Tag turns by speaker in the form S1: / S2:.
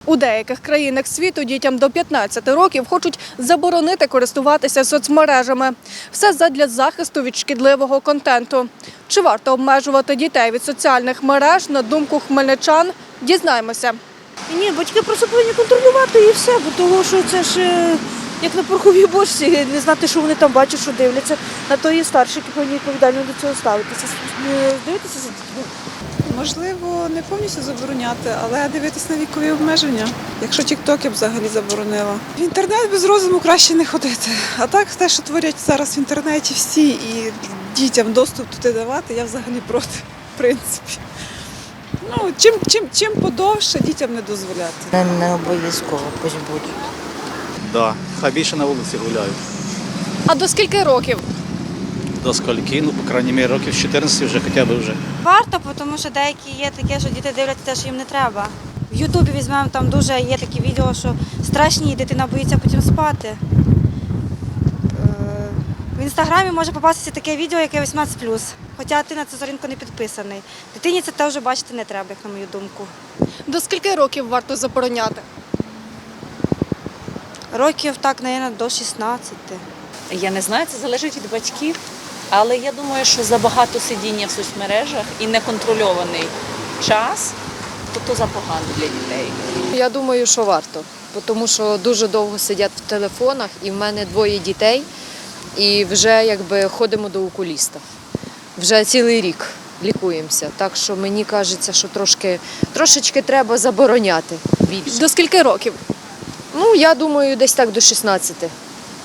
S1: У деяких країнах світу дітям до 15 років хочуть заборонити користуватися соцмережами. Все задля захисту від шкідливого контенту. Чи варто обмежувати дітей від соціальних мереж, на думку хмельничан, дізнаємося.
S2: Ні, батьки просто повинні контролювати і все, бо того, що це ж як на пороховій бочці, не знати, що вони там бачать, що дивляться. На то і старші, які повинні відповідально до цього ставитися. Дивитися за дітьми.
S3: Можливо, не повністю забороняти, але дивитись на вікові обмеження. Якщо TikTok я б взагалі заборонила. В інтернет без розуму краще не ходити. А так, те, що творять зараз в інтернеті всі і дітям доступ туди давати, я взагалі проти, в принципі. Ну, чим подовше дітям не дозволяти.
S2: Не обов'язково, пусть буде.
S4: Да, хай більше на вулиці гуляють.
S1: А до скільки років?
S4: До скільки, ну, по крайній мірі, років з 14 вже хоча б вже.
S5: Варто, тому що деякі є таке, що діти дивляться те, що їм не треба. В Ютубі візьмемо, там дуже є такі відео, що страшні, дитина боїться потім спати. В Інстаграмі може попастися таке відео, яке 18+. Хоча ти на цю сторінку не підписаний. Дитині це теж бачити не треба, як на мою думку.
S1: До скільки років варто забороняти?
S5: Років так, мабуть, до 16.
S6: Я не знаю, це залежить від батьків, але я думаю, що забагато сидіння в соцмережах і неконтрольований час, то запогано для дітей.
S7: Я думаю, що варто, тому що дуже довго сидять в телефонах, і в мене 2 дітей, і вже якби ходимо до окуліста. Вже цілий рік лікуємося, так що мені кажеться, що трошечки треба забороняти більше.
S1: До скільки років?
S7: Ну, я думаю, десь так до 16.